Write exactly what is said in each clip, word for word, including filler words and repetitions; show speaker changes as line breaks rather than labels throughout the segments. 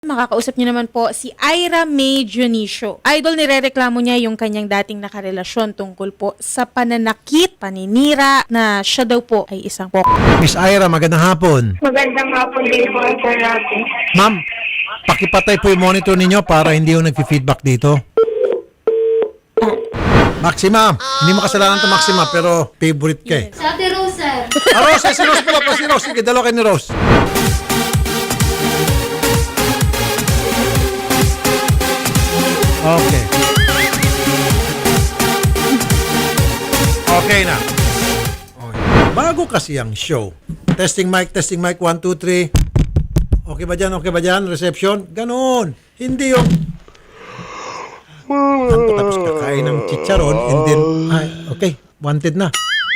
Makakausap niyo naman po si Ira May Dionisio. Idol, nirereklamo niya yung kanyang dating nakarelasyon tungkol po sa pananakit, paninira na siya daw po ay isang pok.
Miss Ira, magandang hapon.
Magandang hapon din po, Sir Rafi.
Ma'am, pakipatay po yung monitor ninyo para hindi yung nag-feedback dito. Maxima, hindi mo kasalanan to Maxima, pero favorite ka eh.
Sa Ate Rose, sir.
Ah, Rose, si Rose pala po, si Rose. Sige, dalawa kayo ni Rose. Okay. Okay na. Okay. Bago kasi ang show. Testing mic, testing mic, one, two, three. Okay ba dyan? Okay ba dyan? Reception? Ganon. Hindi yung anto tapos kakain ng chicharon and then, ay, okay, wanted na.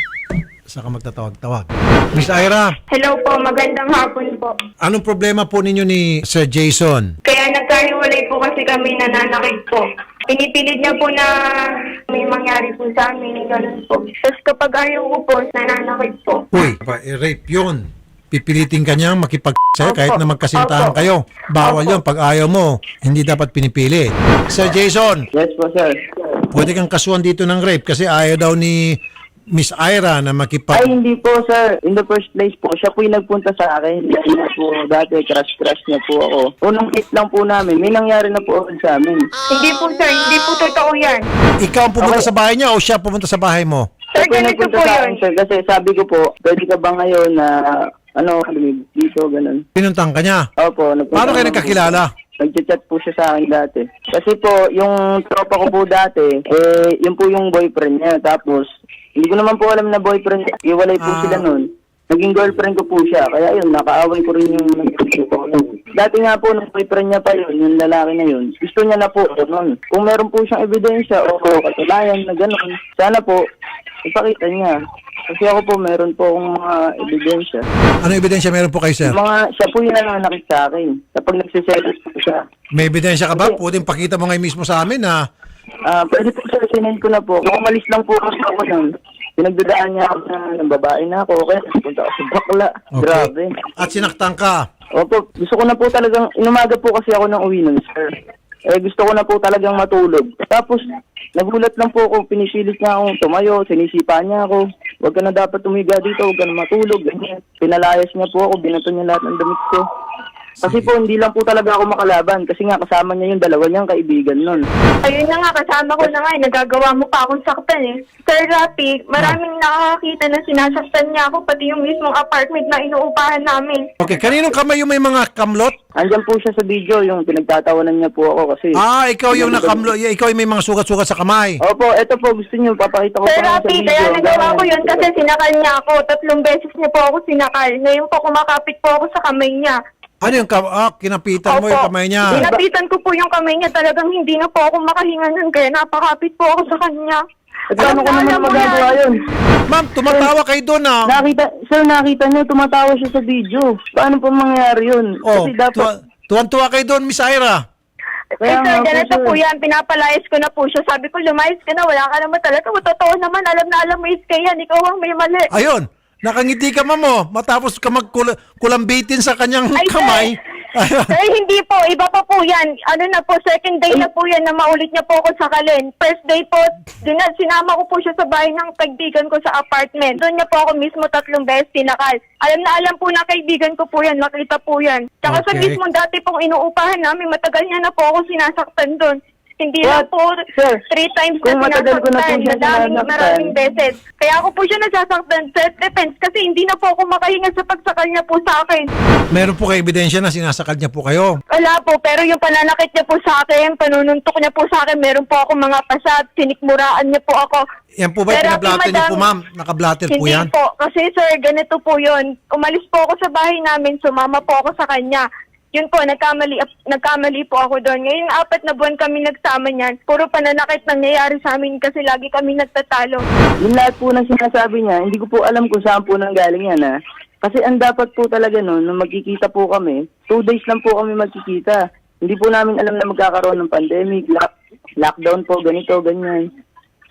Saka magtatawag-tawag. Miss Ira,
Hello po, magandang hapon po.
anong problema po ninyo ni Sir Jason?
Kaya nagkahiwalay po kasi kami, nananakit po. Pinipilit niya po na may mangyari po sa amin, ganun po. Tapos kapag ayaw ko po, nananakit po.
Uy, pa, eh, rape yun. Pipilitin ka niyang makipag sa'yo
Opo.
kahit na magkasintahan
Opo.
kayo. Bawal
Opo.
yun. Pag ayaw mo, hindi dapat pinipili. Sir Jason,
Yes po, sir.
pwede kang kasuhan dito ng rape kasi ayaw daw ni Miss Ira na
Ay,
makipag...
hindi po, sir. In the first place po, siya po yung nagpunta sa akin. Hindi na po dati, crush-crush niya po ako. Unang hit lang po namin, may nangyari na po ulit sa amin.
Hindi po, sir, hindi po totoo yan.
Ikaw ang pumunta
Okay.
sa bahay niya o siya pumunta sa bahay mo?
Sir,
Siya po yung
ganito
nagpunta
po
sa
yun.
akin, sir. Kasi sabi ko po, pwede ka ba ngayon na, ano, lumibig dito, ganun.
Pinuntang ka niya.
Opo. nagpunta
Paano kayo
naman po
nagkakilala?
siya. Nag-chat po siya sa akin dati. Kasi po, yung tropa ko po dati, eh, yun po yung boyfriend niya. Tapos, hindi ko naman po alam na boyfriend niya. Iwalay po
Ah.
sila nun. Naging girlfriend ko po siya. Kaya yun, nakaaway ko rin yung nag-chat ko. Dati nga po, nung boyfriend niya pa yun, yung lalaki na yun, gusto niya na po nun. Kung meron po siyang ebidensya o katulayan na gano'n, sana po, ipakita niya. Kasi ako po, meron po akong mga ebidensya.
Ano ebidensya meron po kayo, sir?
Mga, siya po yung nananakit sa akin. Kapag nagsiselos po siya.
May ebidensya ka ba? Pwedeng pakita mo ngayon mismo sa amin na
Ah, pwede po sir, sinend ko na po. Kung umalis lang po kasi ako nun, pinagdadaan niya ako na ng babae na ako. Okay, punta ako sa bakla. Grabe.
At sinaktan ka.
Opo, gusto ko na po talagang, inumaga po kasi ako ng uwi nun, sir. Eh, gusto ko na po talagang matulog. Tapos, nagulat lang po ako, pinisilit niya akong tumayo, sinisipa niya ako. Huwag ka na dapat tumiga dito, huwag ka na matulog. Ganyan. Pinalayas niya po ako, binato niya lahat ng damit ko. Kasi po, hindi lang po talaga ako makalaban. Kasi nga, kasama niya yung dalawa niyang kaibigan nun.
Ayun na nga, kasama ko na nga, eh, nagagawa mo pa akong saktan eh. Sir Rafi, maraming nakakakita na sinasaktan niya ako, pati yung mismong apartment na inuupahan namin.
Okay, kaninong kamay yung may mga kamlot?
Andyan po siya sa video, yung pinagtatawanan niya po ako kasi...
Ah, ikaw yung nakamlo, ikaw yung may mga sugat-sugat sa kamay.
Opo, eto po, gusto niyo, papakita ko
Sir
po nga sa
Rafi,
video.
kaya nagawa ko
Ganyan.
yun kasi sinakal niya ako. Tatlong beses niya po ako sinakal. Ngayon po kumakapit po ako sa kamay niya.
Ano yung kam ah, kinapitan mo yung kamay niya?
Sinapitan ko po yung kamay niya. Talagang hindi na po ako makahinga nun. Kaya napakapit po ako sa kanya.
At paano ko naman magagawa yun?
Ma'am, tumatawa kayo doon ah.
Nakita, sir, nakita niyo, tumatawa siya sa video. Paano po mangyayari yun?
Oh,
Kasi dapat...
tuwa- tuwan-tuwa kayo doon, Miss Ira.
Eh
Kaya
sir,
nga po,
ganito
sir.
po yan. Pinapalayas ko na po siya. Sabi ko, lumayas ka na. Wala ka naman talaga. Totoo naman. Alam na alam mo is kaya. Ikaw ang may mali.
Ayun, nakangiti ka ma'am mo. Matapos ka magkulambitin sa kanyang
Ay, sir.
kamay. Ayun.
Sir, hindi po. Iba pa po yan. Ano na po, second day na po yan na maulit niya po ako sakalin. First day po, din na, sinama ko po siya sa bahay ng kaibigan ko sa apartment. Doon niya po ako mismo tatlong beses tinakal. Alam na alam po na kaibigan ko po yan. Nakita po yan. Tsaka sa
Okay.
mismo dati pong inuupahan namin, matagal niya na po ako sinasaktan doon. Hindi
What?
lang po
Sir,
three times
kung
na
matagal ko na po
sinasaktan.
siya
Madaming,
sinasaktan.
maraming beses. Kaya ako po siya nasasaktan self-defense kasi hindi na po ako makahinga sa pagsakal niya po sa akin.
Meron po kayo ebidensya na sinasakal niya po kayo.
Wala po, pero yung pananakit niya po sa akin, panununtok niya po sa akin, meron po ako mga pasat, sinikmuraan niya po ako.
Yan po ba yung
Pero,
pinablatter niyo
madam,
po ma'am? Nakablatter po
Hindi
yan?
po, kasi sir, ganito po yun. Umalis po ako sa bahay namin, sumama po ako sa kanya. Yun po, nagkamali, nagkamali po ako doon. Ngayon, apat na buwan kami nagsama niyan. Puro pananakit nangyayari sa amin kasi lagi kami nagtatalo.
yung lahat po ng sinasabi niya, hindi ko po alam kung saan po nanggaling yan, ha? Kasi ang dapat po talaga noon, nung magkikita po kami, two days lang po kami magkikita. Hindi po namin alam na magkakaroon ng pandemic, lock, lockdown po, ganito, ganyan. So,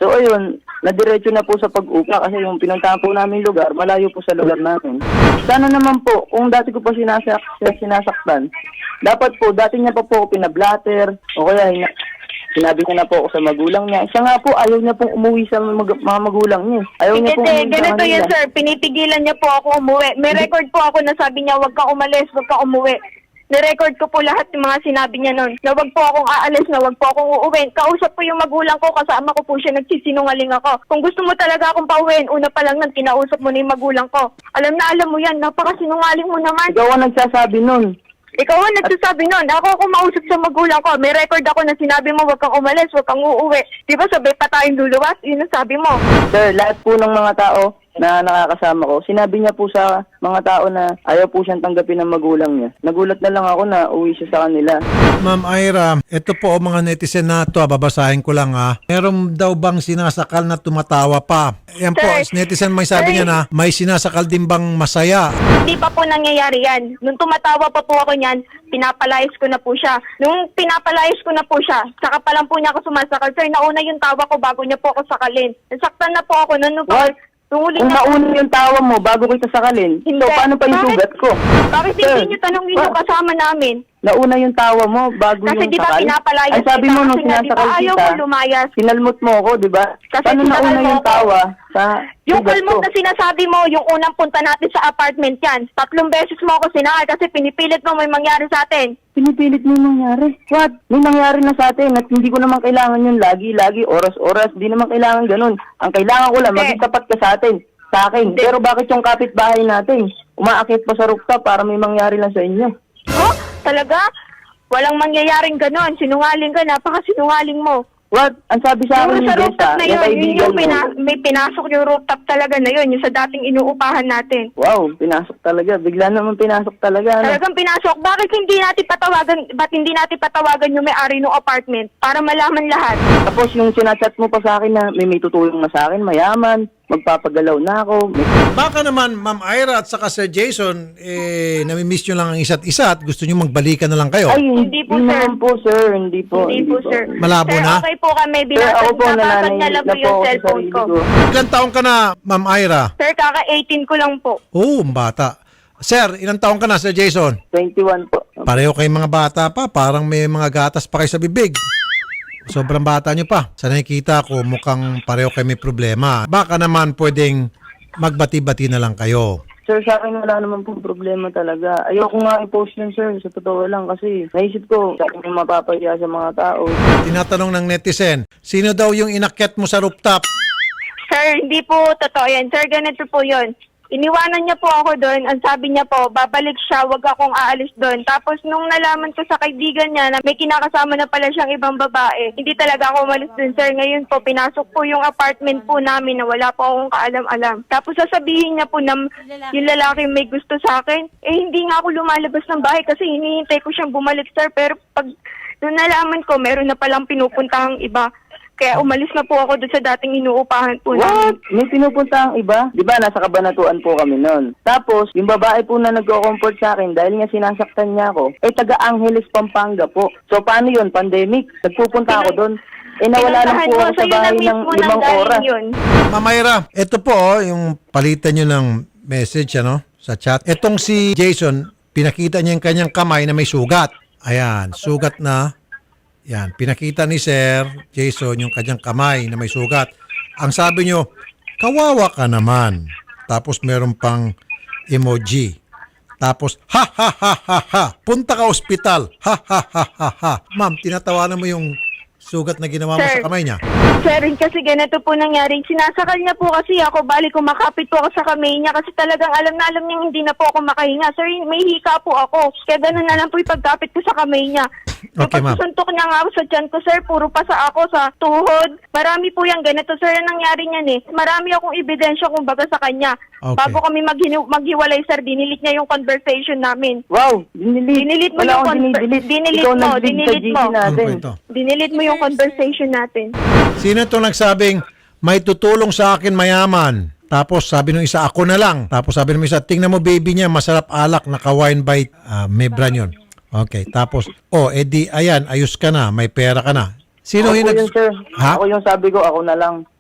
So ayun, nadiretso na po sa pag-upa kasi yung pinuntahan po namin lugar, malayo po sa lugar namin. Sana naman po, kung dati ko po sinasak sinasaktan, dapat po, dati niya pa po ako pinablatter, o kaya hina- sinabi niya na po ako sa magulang niya. Siya nga po, ayaw niya pong umuwi sa mag- mga magulang niya. Ayaw niya pong
Hindi,
umuwi sa
ganito
kanila.
yun, sir. Pinipigilan niya po ako umuwi. May record po ako na sabi niya, huwag kang umalis, huwag kang umuwi. Nirecord ko po lahat ng mga sinabi niya noon. Na wag po akong aalis, na wag po akong uuwi. Kausap po yung magulang ko, kasama ko po siya, nagsisinungaling ako. Kung gusto mo talaga akong pauwiin, una pa lang nun, kinausap mo na yung magulang ko. Alam na alam mo yan, napakasinungaling mo naman.
Ikaw ang nagsasabi nun.
Ikaw ang nagsasabi nun. Ako ako mausap sa magulang ko. May record ako na sinabi mo, wag kang umalis, wag kang uuwi. Di ba sabay pa tayong luluwas? Yun ang sabi mo.
Sir, lahat po ng mga tao na nakakasama ko, sinabi niya po sa mga tao na ayaw po siyang tanggapin ng magulang niya. Nagulat na lang ako na uwi siya sa kanila.
Ma'am Ira, ito po mga netizen na ito, babasahin ko lang ha. Meron daw bang sinasakal na tumatawa pa? Yan po,
Sir,
netizen may sabi
sir.
niya na may sinasakal din bang masaya?
Hindi pa po nangyayari yan. Nung tumatawa pa po ako niyan, pinapalayas ko na po siya. Nung pinapalayas ko na po siya, saka pa lang po niya ako sumasakal. Sir, nauna yung tawa ko bago niya po ako sakalin. Nasaktan na po ako. Nung, nung,
What?
nung huli
Kung
na
nauna yung tawa mo bago kita sakalin,
Hindi.
so paano pa yung
Bakit?
sugat ko?
Bakit
Sir,
hindi niyo tanongin yung
ba-
kasama namin?
Nauna yung tawa mo bago
Kasi
yung
di ba
sakal?
pinapalayas
Ay sabi
kita
mo nung
kasi nga, di ba,
sinasakal
ayaw
kita,
mo lumayas.
sinalmot mo ako, di ba?
Kasi
Paano
sinakal
nauna
mo
yung
ako.
tawa sa
Yung
sugat
kalmot
ko?
na sinasabi mo, yung unang punta natin sa apartment yan, tatlong beses mo ako sinakal kasi pinipilit mo may mangyari sa atin.
Pinipilit mo yung nangyari. What? May nangyari na sa atin at hindi ko naman kailangan yun lagi-lagi, oras-oras. Di naman kailangan ganun. Ang kailangan ko lang,
Hindi.
maging tapat ka sa atin. Sa akin. Pero bakit yung kapitbahay natin, umaakit pa sa rooftop para may mangyari lang sa inyo?
Oh, talaga? Walang mangyayaring ganon. Sinungaling ka, napakasinungaling mo.
What? Ang sabi sa akin
Yung
ni
sa rooftop
Jessa,
na
yung
yun, yun
kaibigan
yung
mo.
pina- may pinasok yung rooftop talaga na yun, yung sa dating inuupahan natin.
Wow, pinasok talaga. Bigla naman pinasok talaga. Ano?
Talagang pinasok. Bakit hindi natin patawagan, ba't hindi natin patawagan yung may-ari ng apartment para malaman lahat?
Tapos yung sinachat mo pa sa akin na may may tutulong na sa akin, mayaman, magpapagalaw na ako. May...
Baka naman Ma'am Ira at saka Sir Jason, eh, namimiss nyo lang ang isa't isa at gusto nyo magbalikan na lang kayo.
Ay,
Hindi
hindi,
po, sir.
naman po, sir. Hindi po.
hindi po, sir.
Malabo
sir,
na?
okay po kami.
Sir,
Binasag,
ako po
nabasag niya
nananahimik
lang
na
po
po
yung
ako sa
cellphone
sarili
ko.
ko.
Ilang taong ka na, Ma'am Ira?
Sir, kaka eighteen ko lang po.
Oo, bata. Sir, ilang taong ka na, Sir Jason?
twenty-one po.
Pareho kayong mga bata pa, parang may mga gatas pa kayo sa bibig. Sobrang bata nyo pa. Sa nakikita ko, mukhang pareho kayo may problema. Baka naman pwedeng magbati-bati na lang kayo.
Sir, sa akin wala naman pong problema talaga. Ayoko nga i-post yun, sir. Sa totoo lang kasi naisip ko, sa akin yung mapapahiya sa mga tao.
Tinatanong ng netizen, sino daw yung inakyat mo sa rooftop?
Sir, hindi po totoo yan. Sir, ganito po yun. Iniwanan niya po ako doon. Ang sabi niya po, babalik siya, wag akong aalis doon. Tapos nung nalaman ko sa kaibigan niya na may kinakasama na pala siyang ibang babae, hindi talaga ako umalis doon, sir. Ngayon po, pinasok po yung apartment po namin na wala po akong kaalam-alam. Tapos sasabihin niya po na yung lalaki may gusto sa akin, eh hindi nga ako lumalabas ng bahay kasi hinihintay ko siyang bumalik, sir. Pero pag nung nalaman ko, meron na palang pinupuntahang iba. Kaya umalis na po ako doon sa dating inuupahan po namin.
What? May pinupunta ang iba? Di ba, nasa kabanatuan po kami noon. Tapos, yung babae po na nagko-comfort sa akin dahil nga sinasaktan niya ako, eh taga Angeles, Pampanga po. So, paano yun? Pandemic? Nagpupunta ako doon. Eh, nawala lang
Pinuntahan
po
mo,
ako sa
sa'yo na
bahay ng
mismo
limang
nanggaling
oras.
yun.
Ma'am Ira, ito po oh, yung palitan nyo ng message ano, sa chat. Itong si Jason, pinakita niya yung kanyang kamay na may sugat. Ayan, sugat na. Yan, pinakita ni Sir Jason yung kanyang kamay na may sugat. Ang sabi nyo, kawawa ka naman. Tapos meron pang emoji. Tapos, ha ha ha ha ha, punta ka ospital. Ha ha ha ha ha. Ma'am, tinatawanan mo yung sugat na ginawa mo
Sir.
sa kamay niya.
Sir, kasi ganito po nangyari. Sinasakal niya po kasi ako, bali kumakapit po ako sa kamay niya kasi talagang alam na alam niya hindi na po ako makahinga. Sir, may hika po ako. Kaya ganun na lang po yung pagkapit ko sa kamay niya. Yung
Okay, ma'am.
pagsusuntok niya nga ako sa tiyan ko, sir, puro pa sa ako sa tuhod. Marami po yung ganito, sir, ang nangyari niyan eh. Marami akong ebidensya kumbaga sa kanya.
Okay.
Bago kami maghinu- maghiwalay, sir, dinilit niya yung conversation namin.
Wow, dinilit.
Dinilit mo
Wala
yung
akong
con-
dinidelete.
dinilit
Ikaw
mo,
nag-dig sa
dinilit
G C
mo.
Ano
natin.
po ito?
Dinilit mo yung conversation natin.
Sino itong nagsabing, may tutulong sa akin mayaman? Tapos sabi nung isa, ako na lang. Tapos sabi nung isa, tingnan mo baby niya, masarap alak, naka-wine bite, uh, may brand yun. Okay, tapos, oh, edi, ayan, ayos ka na, may pera ka na. Sino
Ako
yung
yun,
nags-
sir.
Ha?
Ako yung sabi ko, ako na lang.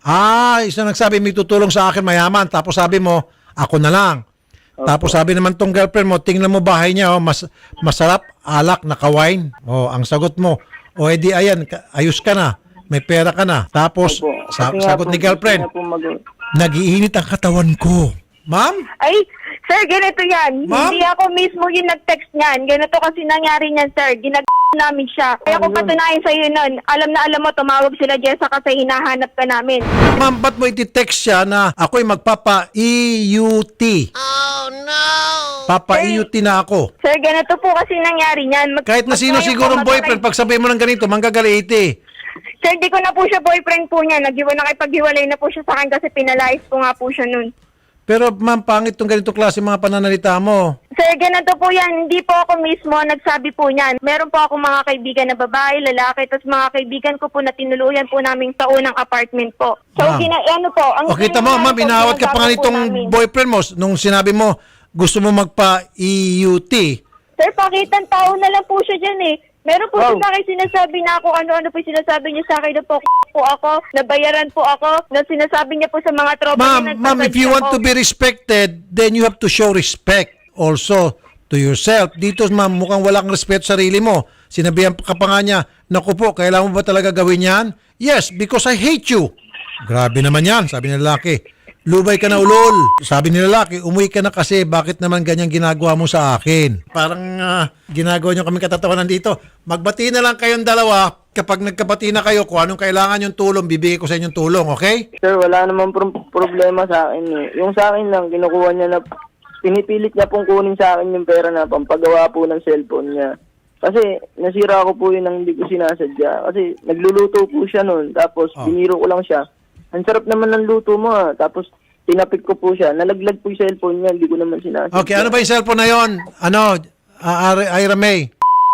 Ah, isa nagsabi, may tutulong sa akin mayaman. Tapos sabi mo, ako na lang. Tapos sabi naman tong girlfriend mo, tingnan mo bahay niya, oh, mas, masarap, alak, naka-wine. Oh, ang sagot mo, o oh, edi ayan, ka- ayos ka na, may pera ka na. Tapos,
Opo.
sa-
Kasi nga
sagot
po,
ni girlfriend,
gusto niya po mag-
nag-iinit ang katawan ko. Ma'am?
Ay, sir, ganito yan.
Ma'am?
Hindi ako mismo yung nag-text niyan. Ganito kasi nangyari niyan, sir. Ginag namin siya. Kaya kung patunayan sa'yo nun, alam na alam mo, tumawag sila Jessa kasi hinahanap ka namin.
Ma'am, ba't mo iti-text siya na ako'y magpapa-E U T? Oh, no! Papa-E U T na ako.
Sir, ganito po kasi nangyari niyan. Mag-
Kahit na sino
mag-
sigurong
mag-
boyfriend, pag sabihin mo ng ganito, manggagalit
Sir, di ko na po siya boyfriend po niya. Nag-iwan nakipaghiwalay na po siya sa akin kasi pinalayas po nga po siya nun.
Pero ma'am, pangit tong ganito klase mga pananalita mo.
Sir, ganito po yan. Hindi po ako mismo nagsabi po niyan. Meron po ako mga kaibigan na babae, lalaki, tapos mga kaibigan ko po na tinuluyan po namin sa unang apartment po. So,
Ma'am.
gina, ano po, ang
O kita mo,
nangyari
ma'am,
po,
inawat ka pa nga
sinasabi po
nitong
namin.
boyfriend mo nung sinabi mo gusto mo magpa-E U T.
Sir, pakitang tao na lang po siya dyan eh. Meron po
Wow.
siya sa akin sinasabi na ako, ano-ano po yung sinasabi niya sa akin na po, po ako, nabayaran po ako, na sinasabi niya po sa mga tropa
Ma'am,
niya.
ma'am, if you want to be respected, then you have to show respect also to yourself. Dito, ma'am, mukhang walang respeto sa sarili mo. Sinabihan ka pa nga niya, naku po, kailangan mo ba talaga gawin yan? Yes, because I hate you. Grabe naman yan, sabi ng lalaki. Lubay ka na ulol. Sabi ni lalaki, umuwi ka na kasi bakit naman ganyan ginagawa mo sa akin? Parang ah, ginagawa niyo kami katatawanan dito. Magbati na lang kayong dalawa. Kapag nagkabati na kayo, kung anong kailangan yung tulong, bibigay ko sa inyong tulong, okay?
Sir, wala naman pro- problema sa akin eh. Yung sa akin lang, kinukuha niya na, pinipilit niya pong kunin sa akin yung pera na pampagawa po ng cellphone niya. Kasi nasira ko po yun nang hindi ko sinasadya. Kasi nagluluto po siya noon, tapos
Oh.
biniro ko lang siya. Ang sarap naman ng luto mo ah. Tapos tinapik ko po siya. Nalaglag po yung cellphone niya, hindi ko naman sinasadya.
Okay, ano ba yung cellphone na yon? Ano, uh, Ira May?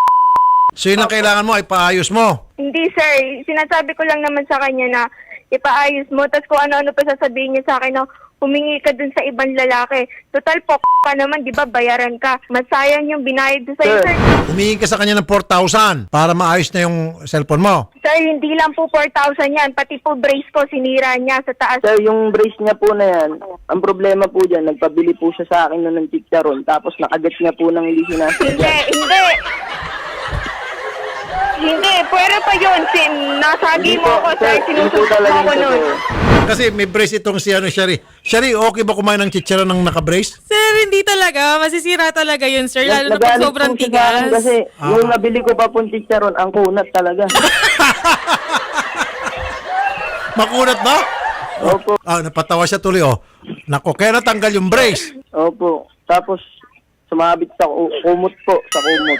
So yun ang kailangan mo, ipaayos mo.
Hindi sir, sinasabi ko lang naman sa kanya na ipaayos mo, tapos kung ano-ano pa sasabihin niya sa akin na humingi ka dun sa ibang lalaki. Total po ka naman, di ba, bayaran ka. Masayang yung binayad ko sa'yo,
Sir.
sir.
Humingi ka sa kanya ng four thousand para maayos na yung cellphone mo.
Sir, hindi lang po four thousand yan, pati po brace ko, sinira niya sa taas.
Sir, yung brace niya po na yan, ang problema po dyan, nagpabili po siya sa akin nun ng chicharon, tapos nakagat niya po ng hindi
Hindi,
sinasadya.
hindi. Hindi, pwera pa yun. Sin, nasagi
Hindi
mo
po,
ako, sir.
sir, hindi po
Sinusunod mo
talaga
ako
ito,
nun.
sir.
Kasi may brace itong si ano, Shari. Shari, okay ba kumain ng chicharon ng naka-brace?
Sir, hindi talaga. Masisira talaga yun, sir. Lalo na pag
Nagalit
sobrang
po siya sa akin
tigas.
Kasi
Ah.
yung nabili ko pa pong chicharon, ang kunat talaga.
Makunat ba?
Opo,
Ah, napatawa siya tuloy, oh. Nako, kaya natanggal yung brace.
opo. Tapos, sumabit sa ku- kumot po, sa kumot.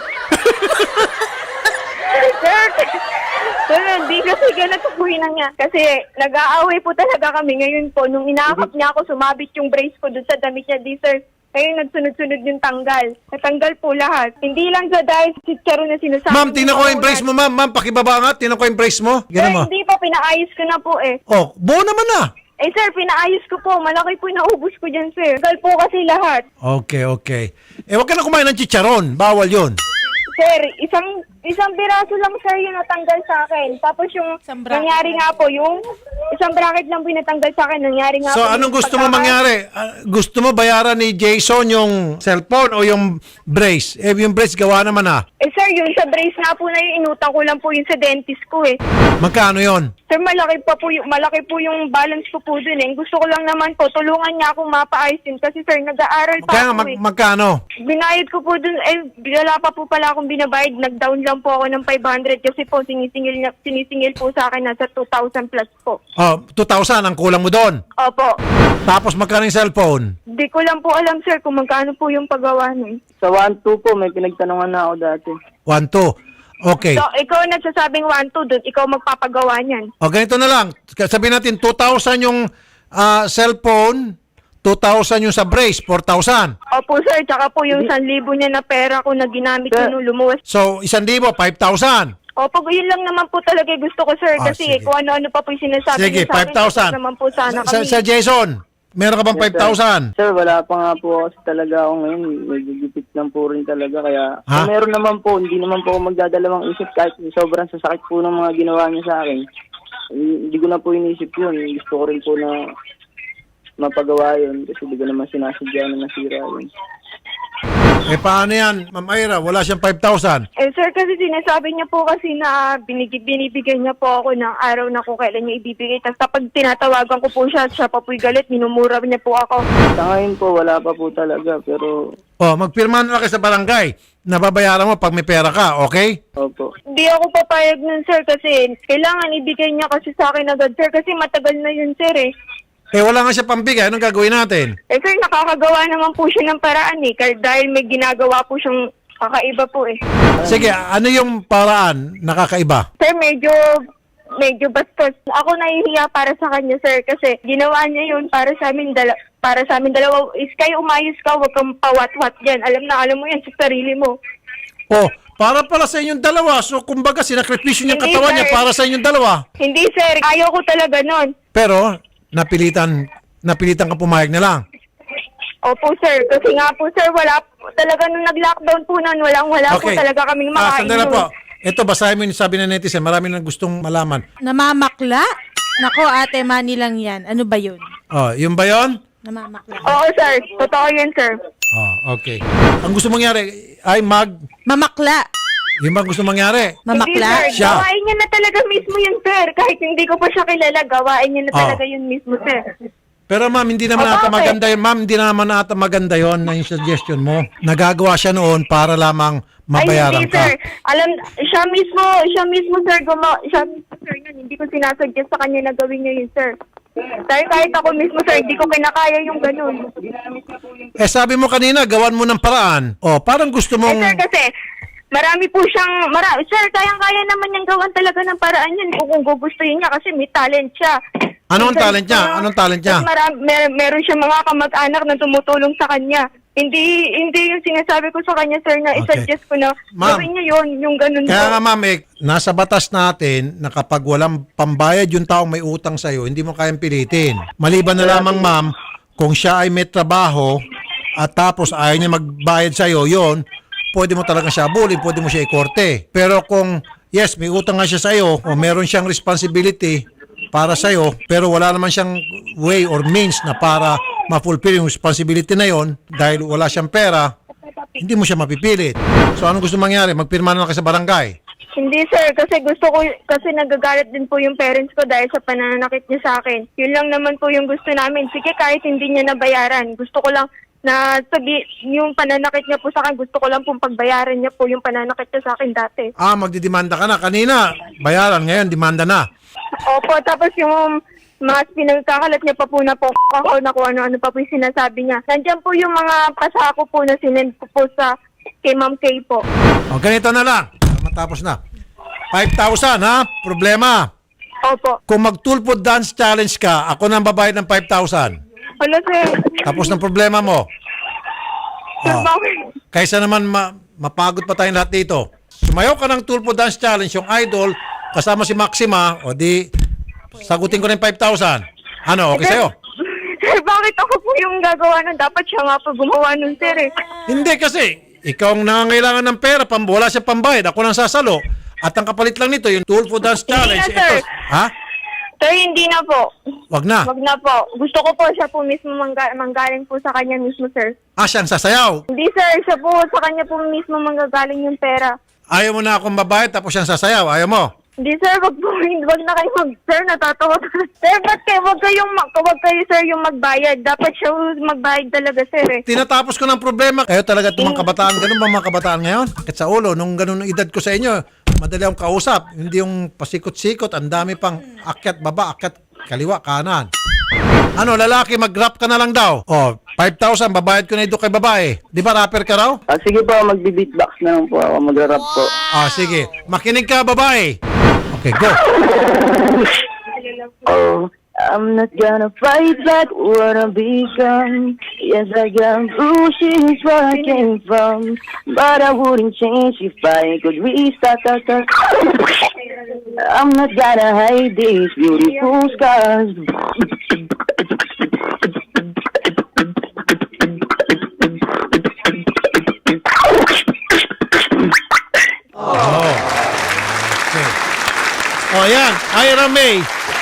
Sir, sir, hindi kasi ganito po yun niya. Kasi nag-aaway po talaga kami ngayon po. Nung inakap niya ako, sumabit yung brace ko dun sa damit niya, di sir. Ngayon nagsunod-sunod yung tanggal. Natanggal po lahat. Hindi lang sa dahil chicharo na sinasabi.
Ma'am, tingnan ko
niya
yung
po
brace
na-
mo, ma'am. Ma'am, pakibaba nga. Tingnan ko yung brace mo.
Sir,
Ganun mo.
hindi pa, pinaayos ko na po eh.
Oh, buo naman na.
Eh sir, pinaayos ko po. Malaki po yung naubos ko dyan, sir. Tanggal po kasi lahat.
Okay, okay. Eh, wag ka na kumain ng chicharon. Bawal yun.
Sir, isang isang biraso lang sir yung natanggal sa akin. Tapos yung
Isang bracket
nangyari nga po, yung isang bracket lang po yung natanggal sa akin. Nangyari nga
So,
po.
anong
yung
gusto mo
pagkaka-
mangyari? Ah, gusto mo bayaran ni Jason yung cellphone o yung brace? Eh, yung brace gawa naman ah.
Eh sir, yung sa brace nga po na yung inutang ko lang po yung sa dentist ko eh.
Magkano yon?
Sir, malaki pa po yung, malaki po yung balance ko po dun eh. Gusto ko lang naman po, tulungan niya akong mapaayos din. Kasi sir, nag-aaral pa
Kaya nga,
ako
mag-
eh.
magkano?
Binayad ko po dun, eh, wala pa po pala akong binabayad. Nag-down lang po ako ng five hundred kasi po sinisingil, niya, sinisingil po sa akin nasa two thousand plus po.
Oh, two thousand ang kulang mo doon.
Opo.
Tapos magkano yung cellphone?
Di ko lang po alam sir kung magkano po yung paggawa nun.
Sa one two po, may pinagtanungan na ako dati.
one two. Okay.
So, ikaw nagsasabing one two dun, ikaw magpapagawa niyan.
O ganito na lang. Sabihin natin two thousand yung ah, cellphone, two thousand yung sa brace, four thousand.
Opo sir, tsaka po yung one thousand niya na pera ko na ginamit ko
Sir.
nung lumuwas.
So, isang libo, five thousand.
Opo, yun lang naman po talaga yung gusto ko sir.
Ah,
Kasi
sige.
kung ano-ano pa po yung sinasabi
Sige,
niyo sa
five
akin,
thousand.
gusto naman po sana
Sa,
kami.
sa Jason, meron ka bang
Yes,
five thousand?
Sir. Sir, wala pa nga po kasi talaga ako ngayon. Nagigipit lang po rin talaga. Kaya
Ha?
kung meron naman po, hindi naman po ako magdadalawang isip kahit sobrang sasakit po ng mga ginawa niya sa akin. hindi ko na po inisip yun. Gusto ko rin po na mapagawa yun kasi hindi ko naman sinasadya na nasira yun.
Eh paano yan, Ma'am Ira? Wala siyang five thousand.
Eh sir, kasi sinasabi niya po kasi na binig binibigay niya po ako ng araw na kung kailan niya ibibigay. Tapos kapag tinatawagan ko po siya, siya pa po'y galit, minumura niya po ako.
Sa ngayon po, wala pa po talaga, pero
Oh, magpirma na lang kayo sa barangay. Nababayaran mo pag may pera ka, okay?
opo.
Hindi ako papayag nun sir kasi kailangan ibigay niya kasi sa akin agad sir kasi matagal na yun sir eh.
Eh wala nga siya pambigay, anong gagawin natin?
Eh sir, nakakagawa naman po siya ng paraan eh. Kahit dahil may ginagawa po siyang kakaiba po eh.
Sige, ano yung paraan nakakaiba?
Sir, medyo medyo bastos. Ako nahihiya para sa kanya sir kasi ginawa niya yun para sa amin dala para sa amin dalawa. Is kayo umayos ka, wag kang pawat-wat dyan. Alam na alam mo yan sa sarili mo.
Oh, para pala sa inyong dalawa. So kumbaga sinakripisyo niya
Hindi,
katawan niya
sir.
para sa inyong dalawa.
Hindi sir, ayaw ko talaga nun.
Pero napilitan napilitan ka pumayag na lang.
Opo sir, kasi nga po sir, wala talaga nung nag-lockdown po nun, walang wala po talaga kaming
Ah,
makain
sandali lang
nun.
po. Ito, basahin mo yung sabi ng netizen. Marami nang gustong malaman.
Namamakla? Nako, ate, mani lang yan. Ano ba yun?
Oh, yung ba yun?
Namamakla.
Oo sir, totoo yan sir.
Oh, okay. Ang gusto mangyari ay mag...
Mamakla.
Yung ba gusto mangyari?
Hindi
Mamakla.
sir,
Siya.
gawain niya na talaga mismo yun sir. Kahit hindi ko pa siya kilala, gawain niya na
Oh.
talaga yun mismo sir.
Pero ma'am, hindi naman
Oh,
ata
bakit?
maganda yun. Ma'am, hindi naman ata maganda yun na yung suggestion mo. Nagagawa siya noon para lamang mabayaran
Ay, hindi,
ka.
sir. Alam, siya mismo, siya mismo, sir, gumawa, siya mismo, sir, yun. Hindi ko sinasuggest sa kanya na gawin niya yun, sir. Dahil kahit ako mismo, sir, hindi ko kinakaya yung ganun.
Eh sabi mo kanina, gawan mo ng paraan. Oh, parang gusto
Eh,
mong...
sir, kasi, marami po siyang, mara, sir, kayang-kaya naman niyang gawan talaga ng paraan yun kung, kung gugustuhin niya kasi may talent siya.
Anong
Sir,
talent niya?
uh,
Anong talent niya?
mas Mara, mer, meron siya mga kamag-anak na tumutulong sa kanya. Hindi hindi yung sinasabi ko sa kanya, sir, na
Okay.
isuggest ko na
Ma'am,
gawin niya yun, yung ganun
Kaya
po.
nga ma'am, eh, nasa batas natin na kapag walang pambayad yung taong may utang sa'yo, hindi mo kayang pilitin. Maliban na lamang ma'am, kung siya ay may trabaho at tapos ayaw niya magbayad sa'yo, yon, pwede mo talaga siya abulin, pwede mo siya ikorte. Pero kung yes, may utang nga siya sa'yo o meron siyang responsibility para sa'yo, pero wala naman siyang way or means na para ma-fulfill yung responsibility na yon dahil wala siyang pera, hindi mo siya mapipilit. So anong gusto mangyari? Magpirma na lang kayo sa barangay.
Hindi sir, kasi gusto ko, kasi nagagalit din po yung parents ko dahil sa pananakit niya sa akin. Yun lang naman po yung gusto namin. Sige, kahit hindi niya nabayaran, gusto ko lang na sabi, yung pananakit niya po sa akin, gusto ko lang pong pagbayaran niya po yung pananakit niya sa akin dati.
Ah, magdidemanda ka na. Kanina, bayaran. Ngayon, demanda na.
Opo, tapos yung mga pinagkakalat niya pa po na po ako na kung ano-ano pa po yung sinasabi niya. Nandiyan po yung mga pasako po na sinend ko po sa kay Ma'am Kay po.
O, ganito na lang. Matapos na. five thousand, ha? Problema.
Opo.
Kung mag-tulpo dance challenge ka, ako nang babayad ng five thousand.
Ano sir?
Tapos ng problema mo.
Sir,
Oh.
bakit?
Kaysa naman ma- mapagod pa tayong lahat dito. Sumayaw ka ng tulpo dance challenge, yung idol, kasama si Maxima, o di, sagutin ko na yung five thousand. Ano, okay sa'yo?
Sir, bakit ako po yung gagawa nun? Dapat siya nga po gumawa nun, sir eh.
Hindi kasi, ikaw ang nangangailangan ng pera, pam, wala siya pambayad, ako nang sasalo. At ang kapalit lang nito, yung tulpo dance challenge.
Hindi na, sir.
Ito, ha?
Sir, hindi na po.
Wag na.
Wag na po. Gusto ko po siya po mismo mangga- manggaling po sa kanya mismo, sir.
Ah, siyang sasayaw.
Hindi, sir. Siya po sa kanya po mismo manggagaling yung pera.
Ayaw mo na akong babayad, tapos siyang sasayaw. Ayaw mo.
Hindi, sir. Wag po. Wag na kayo mag... Sir, natatawa ka. Sir, ba't kayo? Wag kayong... mag- Wag kayo, sir, yung magbayad. Dapat siya magbayad talaga, sir eh.
Tinatapos ko ng problema. Kayo talaga itong mga kabataan. Ganun ba mga kabataan ngayon? At sa ulo, nung ganun ang edad ko sa inyo, madali akong kausap. Hindi yung pasikot-sikot. Ang dami pang akyat baba, akyat kaliwa, kanan. Ano, lalaki, mag-rap ka na lang daw. O, five thousand, babayad ko na ito kay babae. Di ba rapper ka raw?
Ah, sige po, magbi-beatbox na lang po ako, mag-rap po.
Ah, sige. Makinig ka, babae. Okay, go.
Oh, I'm not gonna fight back what I become. Yes, I got bruises where I came from, but I wouldn't change if I could restart. Start, start. I'm not gonna hide these beautiful scars.
Oh. Okay. Oh, yan. Ira May.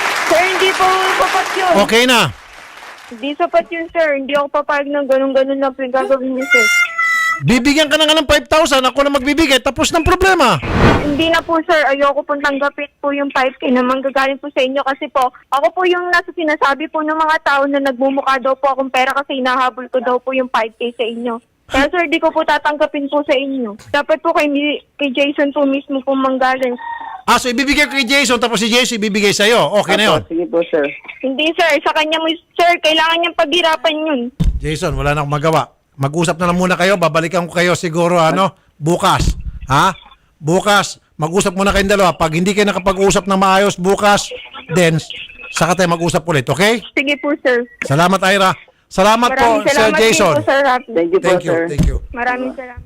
po sapat yun.
Okay na.
Hindi sapat yun, sir. Hindi ako papayag ng ganun-ganun lang po yung gagawin niyo, sir.
Bibigyan ka na nga ng five thousand, ako na magbibigay, tapos ng problema.
Hindi na po, sir. Ayoko pong tanggapin po yung five K na manggagaling po sa inyo kasi po, ako po yung nasa sinasabi po ng mga tao na nagmumukha daw po akong pera kasi hinahabol ko daw po yung five K sa inyo. Kaya, sir, di ko po tatanggapin po sa inyo. Dapat po kay, kay Jason po mismo po manggaling.
Ah, so ibibigay ko kay Jason, tapos si Jason ibibigay sa'yo. Okay na yun.
Opo, sige po, sir.
Hindi, sir. Sa kanya mo, sir, kailangan niyang paghirapan yun.
Jason, wala na akong magawa. Mag-usap na lang muna kayo, babalikan ko kayo siguro, ano, bukas. Ha? Bukas, mag-usap muna kayong dalawa. Pag hindi kayo nakapag-usap ng maayos bukas, then, saka tayo mag-usap ulit, okay?
Sige po, sir.
Salamat, Ira. Salamat po,
Maraming
Sir
salamat din
Jason.
po, Sir Rafi.
Thank you po,
Thank you,
sir.
thank you.
Maraming salamat.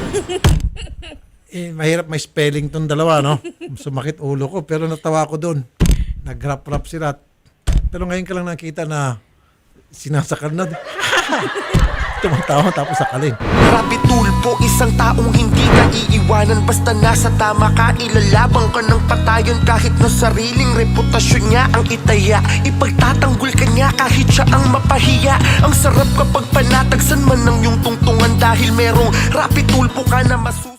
Eh, mahirap may spelling tong dalawa, no? Sumakit ulo ko, pero natawa ko doon. Nag-rap-rap sila. Pero ngayon ka lang nakita na sinasakal na. Tumatawa tapos sakalin.
Rapi tulpo, isang taong hindi ka iiwanan. Basta nasa tama ka, ilalabang ka ng patayon. Kahit na sariling reputasyon niya ang itaya, ipagtatanggol ka niya kahit siya ang mapahiya. Ang sarap kapag panatagsan man ng iyong tungtungan, dahil merong rapi tulpo ka na masu